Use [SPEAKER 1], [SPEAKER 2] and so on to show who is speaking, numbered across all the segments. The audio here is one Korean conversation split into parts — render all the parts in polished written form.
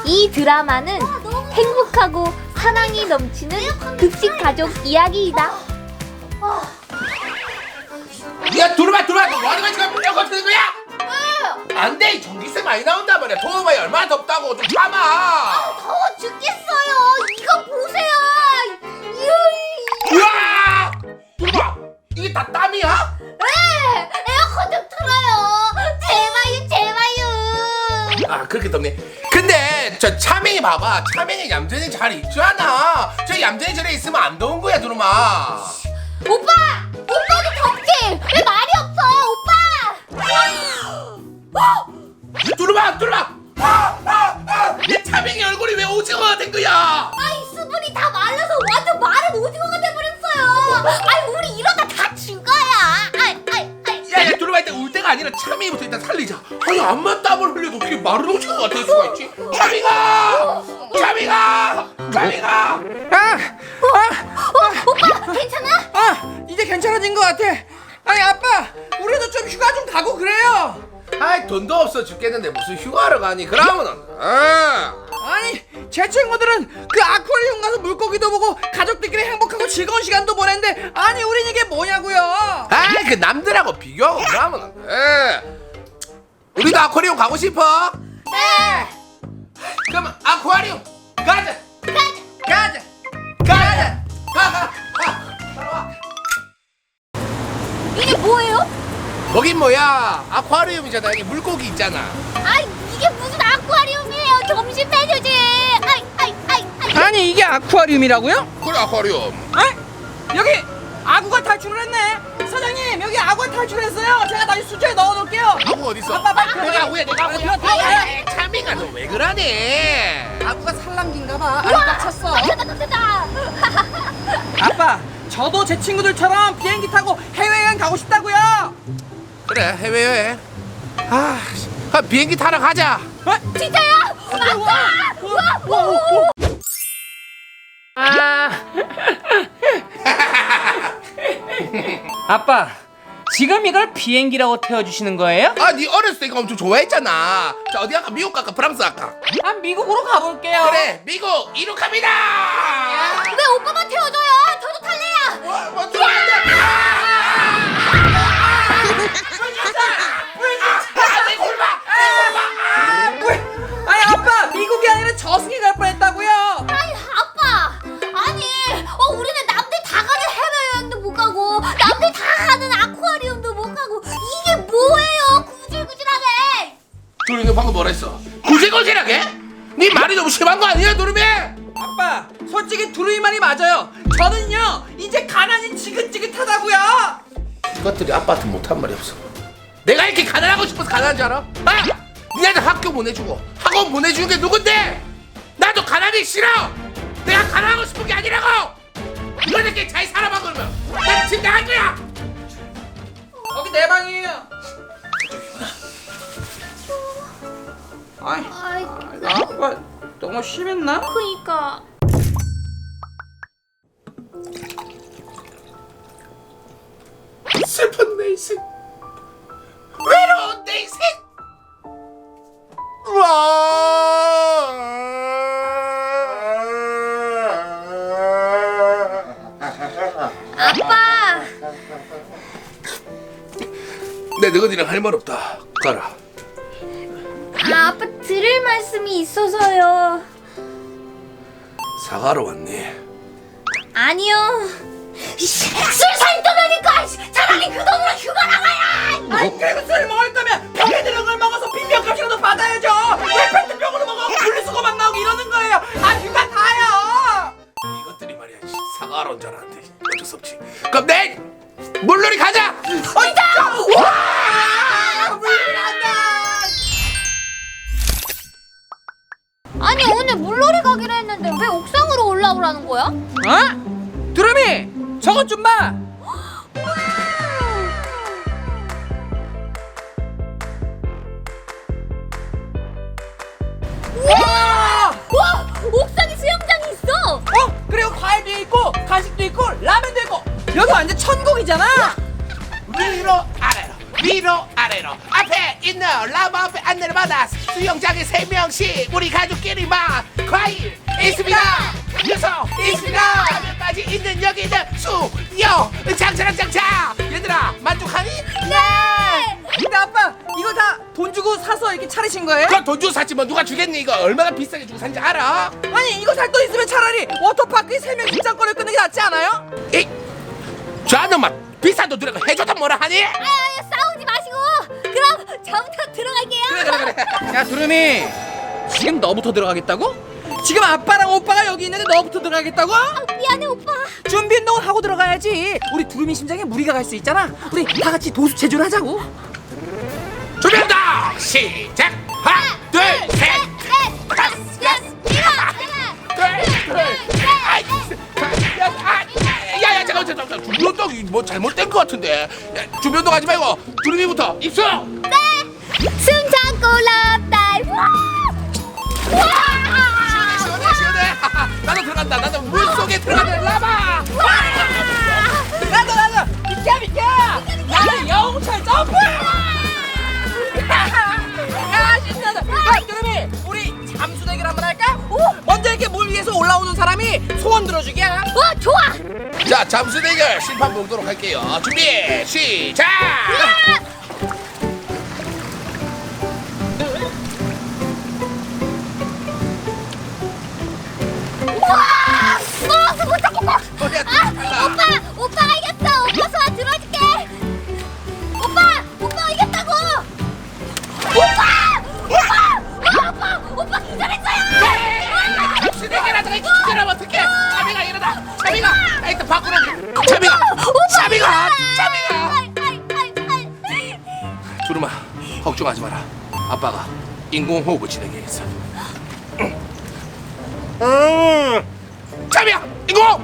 [SPEAKER 1] 이 드라마는 행복하고 사랑이 넘치는 급식 가족 이야기이다.
[SPEAKER 2] 야 두루마 너 뭐하는 거야 지금? 에어컨 트는 거야? 안돼 전기세 많이 나온단 말이야. 더워봐야 얼마나 덥다고. 좀 참아.
[SPEAKER 1] 더워 죽겠어요. 이거 보세요.
[SPEAKER 2] 우와 두루마 이게 다 땀이야?
[SPEAKER 1] 네, 에어컨 좀 틀어요. 제발요.
[SPEAKER 2] 아 그렇게 덥네. 근데 저 차맹이 봐봐. 차맹이 얌전히 잘 있잖아. 저 얌전히 저래 있으면 안 더운 거야 두루마.
[SPEAKER 1] 오빠도 덥지? 왜 말이 없어, 오빠?
[SPEAKER 2] 두루마 내 차맹이 얼굴이 왜 오징어가 된 거야?
[SPEAKER 1] 아이 수분이 다 말라서 완전 마른 오징어가 돼버렸어요. 아이 우리 이러다 다 죽어요.
[SPEAKER 2] 야야 두루마 일단 울 때가 아니라 차맹이부터 일단 살리자. 아니 암만 땀을 흘려도 어떻게 마른 오징어가 될 수가 있지? 차맹아
[SPEAKER 1] 오빠 괜찮아?
[SPEAKER 3] 이제 괜찮아진 것 같아. 아니 아빠, 우리도 좀 휴가 좀 가고 그래요.
[SPEAKER 2] 아이 돈도 없어 죽겠는데 무슨 휴가를 가니? 그러면은
[SPEAKER 3] 아니 제 친구들은 그 아쿠아리움 가서 물고기도 보고 가족들끼리 행복하고 즐거운 시간도 보냈는데, 아니 우린 이게 뭐냐고요.
[SPEAKER 2] 아이 그 남들하고 비교하고 그러면은 우리도 아쿠아리움 가고 싶어?
[SPEAKER 1] 네.
[SPEAKER 2] 그러면 아쿠아리움 가자. 가. 따라와.
[SPEAKER 1] 이게 뭐예요?
[SPEAKER 2] 거긴 뭐야? 아쿠아리움이잖아. 여기 물고기 있잖아.
[SPEAKER 1] 아이 이게 무슨 아쿠아리움이에요? 점심 메뉴지. 아이.
[SPEAKER 3] 아니 이게 아쿠아리움이라고요?
[SPEAKER 2] 그래 아쿠아리움.
[SPEAKER 3] 여기 아구가 탈출을 했네. 사장님, 여기 아구가 탈출했어요. 제가 다시 수조에 넣어놓을게요.
[SPEAKER 2] 아구 어딨어?
[SPEAKER 3] 아빠, 빨리
[SPEAKER 2] 내가 아구야.
[SPEAKER 3] 들어가요.
[SPEAKER 2] 차밍아 너 왜 그러니?
[SPEAKER 3] 아구가 살랑긴가봐. 알이 꽉 찼어.
[SPEAKER 1] 깜짝깜짝.
[SPEAKER 3] 아빠, 저도 제 친구들처럼 비행기 타고 해외여행 가고 싶다고요.
[SPEAKER 2] 그래 해외여행. 비행기 타러 가자.
[SPEAKER 1] 진짜요?
[SPEAKER 4] 아빠, 지금 이걸 비행기라고 태워주시는 거예요?
[SPEAKER 2] 네 어렸을 때 이거 엄청 좋아했잖아. 자 어디 갈까? 미국 갈까? 프랑스 갈까?
[SPEAKER 4] 미국으로 가볼게요.
[SPEAKER 2] 그래 미국 이륙합니다.
[SPEAKER 1] 왜 오빠만 태워줘요? 저도 탈래요.
[SPEAKER 2] 뭐 들어간다.
[SPEAKER 3] 아니 아빠, 미국이 아니라 저승에 갈 뻔했다고요.
[SPEAKER 1] 아니 아빠. 아니 우리는 남들 다 가는 해외여행도 못 가고 남들 다 가는 아쿠아리움도 못 가고 이게 뭐예요? 구질구질하네.
[SPEAKER 2] 도리 너 방금 뭐라 했어? 구질구질하게? 네 말이 너무 심한 거 아니야 도리미?
[SPEAKER 3] 아빠, 솔직히 두루이 말이 맞아요. 저는요 이제 가난이 지긋지긋하다고요.
[SPEAKER 2] 이것들이 아빠한테 못한 말이 없어. 내가 이렇게 가난하고 싶어서 가난한 줄 알아? 니네들 학교 보내주고 학원 보내주는 게 누군데? 나도 가난이 싫어. 내가 가난하고 싶은 게 아니라고. 너네끼리 잘 살아봐. 그러면 난 집 나갈 거야.
[SPEAKER 3] 여기 내 방이에요.
[SPEAKER 1] 아이
[SPEAKER 3] 아빠 너무 심했나?
[SPEAKER 1] 그니까.
[SPEAKER 2] 슬픈 내 인생, 외로운 내 인생.
[SPEAKER 1] 아빠.
[SPEAKER 2] 내 너희들이랑 할 말 없다. 가라.
[SPEAKER 1] 아빠 들을 말씀이 있어서요.
[SPEAKER 2] 사과로 왔니?
[SPEAKER 1] 아니요. 술사 떠나니까 차라리 그 돈으로 휴가 나가야.
[SPEAKER 3] 아니 그리고 술 먹을 거면 병에 들은 걸 먹어서 빈병값이라도 받아야죠. 왜 페트병으로 먹어 분리수거만 나오고 이러는 거예요. 휴가 다요.
[SPEAKER 2] 이것들이 말이야. 사과로 온 줄 알았는데 어쩔 수 없지. 그럼 내 물놀이 가자.
[SPEAKER 3] 진짜? 와! 물난다.
[SPEAKER 1] 아니 오늘 물놀이 가기로 했는데 왜 옥상으로 올라오라는 거야?
[SPEAKER 3] 두루미, 저것 좀 봐.
[SPEAKER 1] 와! 옥상에 수영장이 있어!
[SPEAKER 3] 그리고 과일도 있고 간식도 있고 라면도 있고 여기 완전 천국이잖아.
[SPEAKER 2] 위로 아래로 앞에 있는 라마 앞에 안내를 받아 수영장에 3명씩 우리 가족끼리만 과일 있습니다. 녀석 있습니다. 까지 있는 여기는 수영장처럼 장차. 얘들아 만족하니?
[SPEAKER 1] 네.
[SPEAKER 3] 근데 아빠 이거 다 돈 주고 사서 이렇게 차리신 거예요?
[SPEAKER 2] 그건 돈 주고 샀지 뭐 누가 주겠니? 이거 얼마나 비싸게 주고 산지 알아?
[SPEAKER 3] 아니 이거 살 돈 있으면 차라리 워터파크에 3명 입장권을 끊는 게 낫지 않아요?
[SPEAKER 2] 이 저는 막 비싼 돈 들어가 해줘도 뭐라 하니?
[SPEAKER 1] 싸우지 마시고 그럼 저부터 들어갈게요.
[SPEAKER 2] 그래.
[SPEAKER 3] 야 두루미 지금 너부터 들어가겠다고? 지금 아빠랑 오빠가 여기 있는데 너부터 들어가겠다고?
[SPEAKER 1] 미안해 오빠.
[SPEAKER 3] 준비 운동을 하고 들어가야지. 우리 두루미 심장에 무리가 갈 수 있잖아. 우리 다 같이 도수 체조를 하자고.
[SPEAKER 2] 준비한다. 시작. 하나, 둘, 셋, 다섯, 여섯, 야야 잠깐 준비 운동이 뭐 잘못된 것 같은데. 야, 준비 운동 하지 말고 두루미부터 입수.
[SPEAKER 1] 숨 참고 럽다이.
[SPEAKER 2] 시원해. 나도 들어간다. 나도 물 속에 들어가는 라바.
[SPEAKER 3] 나도 비켜. 나는 영웅철 점프. 야 신나다. 야 두루미 우리 잠수 대결 한번 할까? 먼저 이렇게 물 위에서 올라오는 사람이 소원 들어주기야.
[SPEAKER 1] 좋아.
[SPEAKER 2] 자 잠수 대결 심판 보도록 할게요. 준비 시작.
[SPEAKER 1] 못 잡겠다.
[SPEAKER 2] 머리야 달라.
[SPEAKER 1] 오빠가 이겼어. 오빠 소원 들어줄게. 오빠 이겼다고. 오빠 기절했어요.
[SPEAKER 2] 잠수 대결 하다가 기절하면 어떡해. 차비가 일어나. 차비가 일단 밖으로. 차비가. 두루마 걱정하지 마라. 아빠가 인공호흡을 진행해야겠어. 차비야 인공호흡.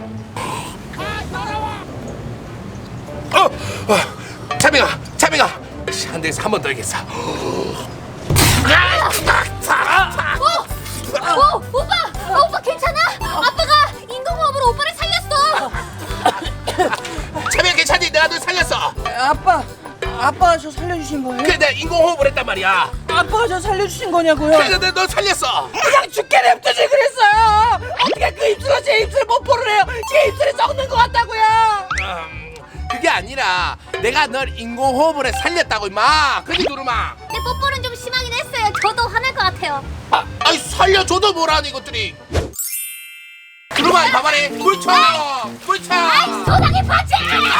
[SPEAKER 2] 차비가 한 대에서 한 번 더 이겠어.
[SPEAKER 1] 오빠 괜찮아? 아빠가 인공호흡으로 오빠를 살렸어.
[SPEAKER 2] 차비야 괜찮니? 내가 널 살렸어.
[SPEAKER 3] 아빠가 저 살려주신 거예요?
[SPEAKER 2] 그래 내가 인공호흡을 했단 말이야.
[SPEAKER 3] 아빠가 저 살려주신 거냐고요?
[SPEAKER 2] 그래서 내가 널 살렸어.
[SPEAKER 3] 그냥 죽게 냅두지 그랬어요. 어떻게 그 입술로 제 입술에 뽀뽀를 해요? 제 입술에 썩는 것 같다고요.
[SPEAKER 2] 그게 아니라 내가 널 인공호흡을 해 살렸다고 임마. 그지 두루마?
[SPEAKER 1] 내 뽀뽀는 좀 심하긴 했어요. 저도 화날 것 같아요.
[SPEAKER 2] 아이 살려줘도 뭐라니 이것들이. 두루마 봐봐래. 물쳐.
[SPEAKER 1] 소나기 파츠!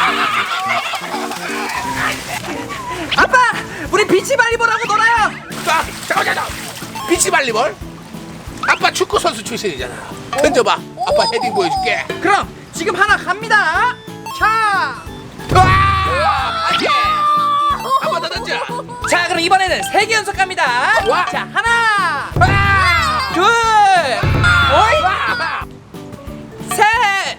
[SPEAKER 3] 아빠, 우리 비치발리볼하고 놀아요.
[SPEAKER 2] 잠깐만. 비치발리볼? 아빠 축구 선수 출신이잖아. 던져봐. 아빠 헤딩 보여줄게.
[SPEAKER 3] 그럼 지금 하나 갑니다. 자,
[SPEAKER 2] 안돼. 한번 더 던져.
[SPEAKER 3] 자 그럼 이번에는 3개 연속 갑니다.
[SPEAKER 2] 와.
[SPEAKER 3] 자 하나, 둘, 셋.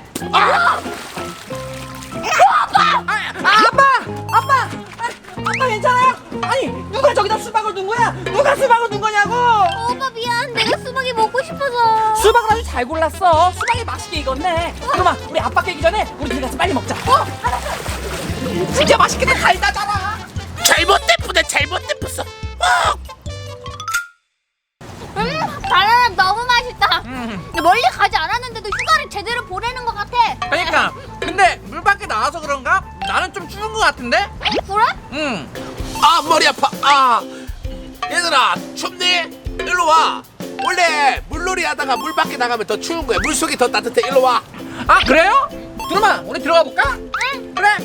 [SPEAKER 3] 아빠 괜찮아요? 아니 누가 저기다 수박을 둔 거야? 누가 수박을 둔 거냐고?
[SPEAKER 1] 오빠 미안. 내가 수박이 먹고 싶어서.
[SPEAKER 3] 수박을 아주 잘 골랐어. 수박이 맛있게 익었네. 그러면 우리 아빠 깨기 전에 우리 둘이 가서 빨리 먹자. 진짜 맛있겠다. 달다잖아.
[SPEAKER 2] 잘못됐어.
[SPEAKER 1] 바나나 너무 맛있다. 근데 멀리 가지 않았는데도 휴가를 제대로 보내는 것 같아.
[SPEAKER 3] 그러니까 근데 물 밖에 나와서 그런가? 나는 좀 추운 것 같은데?
[SPEAKER 1] 그래?
[SPEAKER 3] 응.
[SPEAKER 2] 머리 아파. 얘들아 춥니? 일로 와. 원래 물놀이 하다가 물 밖에 나가면 더 추운 거야. 물 속이 더 따뜻해. 일로 와.
[SPEAKER 3] 아 그래요? 두루마 우리 들어가 볼까?
[SPEAKER 1] 응.
[SPEAKER 3] 그래.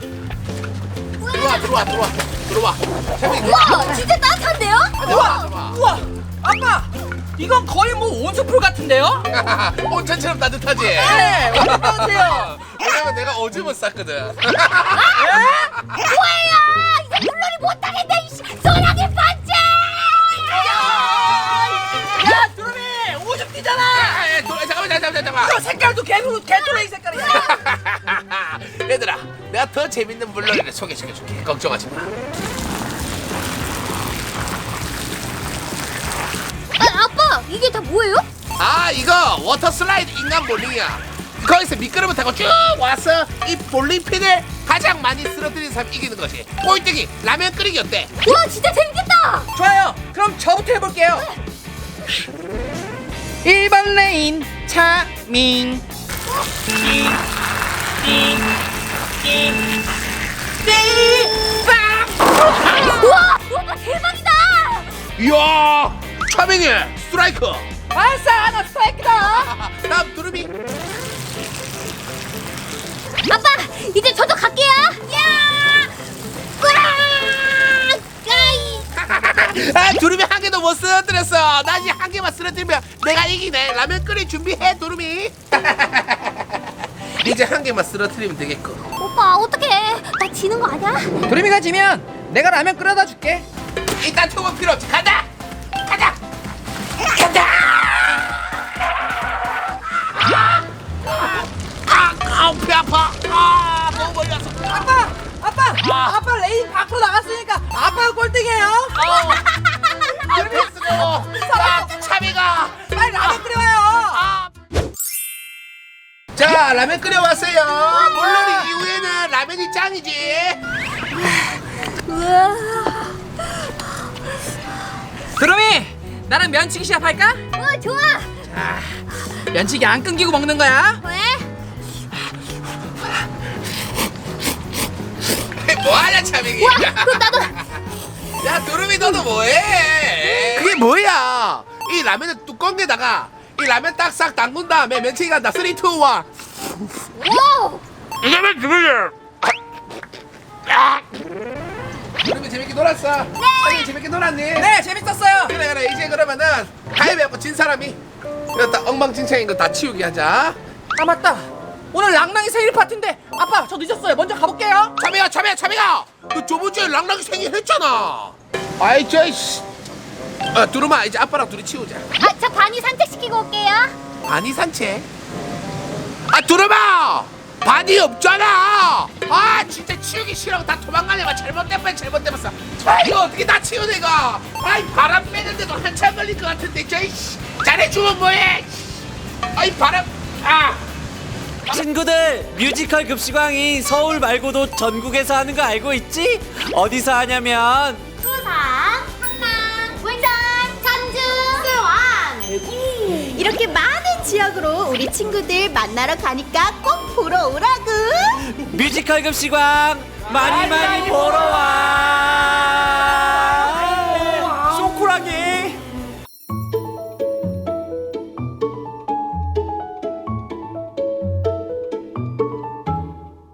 [SPEAKER 2] 들어와.
[SPEAKER 1] 우와, 진짜 따뜻한데요?
[SPEAKER 3] 우와 아빠 이건 거의 뭐 온수풀 같은데요?
[SPEAKER 2] 온천처럼 따뜻하지?
[SPEAKER 3] 네 완전 따뜻해요.
[SPEAKER 2] 왜냐면 내가 오줌을 쌌거든.
[SPEAKER 1] 뭐예요? 이제 물놀이 못하겠네. 소나기 반지!
[SPEAKER 3] 야 두루미 오줌 뛰잖아.
[SPEAKER 2] 잠깐만.
[SPEAKER 3] 이거 색깔도 개토레이 색깔이야.
[SPEAKER 2] 얘들아 내가 더 재밌는 물놀이를 소개시켜줄게. 걱정하지 마.
[SPEAKER 1] 아빠, 이게 다 뭐예요?
[SPEAKER 2] 이거 워터 슬라이드 인간 볼링이야. 거기서 미끄럼을 타고 쭉 와서 이 볼링핀을 가장 많이 쓰러뜨린 사람이 이기는 것이. 꼴등이 라면 끓이기 어때?
[SPEAKER 1] 와, 진짜 재밌겠다.
[SPEAKER 3] 좋아요. 그럼 저부터 해볼게요. 1번 레인 차밍.
[SPEAKER 1] 우와 오빠 대박이다.
[SPEAKER 2] 이야 차명의 스트라이크.
[SPEAKER 3] 아싸 나 스트라이크다.
[SPEAKER 2] 다음 두루미.
[SPEAKER 1] 아빠 이제 저도 갈게요. 야! 으아! 까이!
[SPEAKER 2] 아 두루미 한 개도 못 쓰러뜨렸어. 나 이제 한 개만 쓰러뜨리면 내가 이기네. 라면 끓일 준비해 두루미. 이제 한 개만 쓰러뜨리면 되겠고.
[SPEAKER 1] 오빠 어떡해? 나 지는 거 아니야?
[SPEAKER 3] 도리미가 지면 내가 라면 끓여다 줄게.
[SPEAKER 2] 일단 투번 필요 없지. 간다. 간다. 간다. 아우 배 아파. 아 너무 멀리 왔어.
[SPEAKER 3] 아빠 레인 밖으로 나갔으니까 아빠가 꼴등이에요.
[SPEAKER 2] 앞에 쓰고. 자 차비가.
[SPEAKER 3] 빨리 라면 끓여요.
[SPEAKER 2] 아. 자 라면 끓여왔어요. 물론 이후에는 라면이 짱이지.
[SPEAKER 1] 우와.
[SPEAKER 3] 도리미 나랑 면치기 시합할까?
[SPEAKER 1] 좋아.
[SPEAKER 3] 면치기 안 끊기고 먹는 거야.
[SPEAKER 1] 왜?
[SPEAKER 2] 뭐하냐 차비기.
[SPEAKER 1] 우와 그럼 나도.
[SPEAKER 2] 야 두루미 너도 뭐해? 그게 뭐야? 이 라면의 뚜껑에다가 이 라면 딱 싹 담근 다음에 면치기 간다. 3, 2, 1.
[SPEAKER 1] 오.
[SPEAKER 2] 이거면 누구야? 두루미 재밌게 놀았어? 네. 재밌게 놀았니?
[SPEAKER 3] 네 재밌었어요.
[SPEAKER 2] 그래 이제 그러면은 가위바위보 진 사람이 이렇다 엉망진창인 거 다 치우기 하자.
[SPEAKER 3] 아 맞다. 오늘 랑랑이 생일 파티인데 아빠 저 늦었어요. 먼저 가볼게요.
[SPEAKER 2] 차비가 너 저번 주에 랑랑이 생일 했잖아. 아이 저이씨. 두루마 이제 아빠랑 둘이 치우자.
[SPEAKER 1] 저 반이 산책시키고 올게요.
[SPEAKER 2] 바니 산책? 두루마! 바니 없잖아! 아 진짜 치우기 싫어. 다 도망가려면 잘못됐어. 이거 어떻게 다 치우네 이거. 아이 바람 빼는데도 한참 걸릴 것 같은데 저이씨. 잘해주면 뭐해. 아이 바람.
[SPEAKER 5] 친구들, 뮤지컬 급식왕이 서울 말고도 전국에서 하는 거 알고 있지? 어디서 하냐면
[SPEAKER 1] 부산, 강남, 울산, 전주, 수원.
[SPEAKER 6] 이렇게 많은 지역으로 우리 친구들 만나러 가니까 꼭 보러 오라구.
[SPEAKER 5] 뮤지컬 급식왕 많이 보러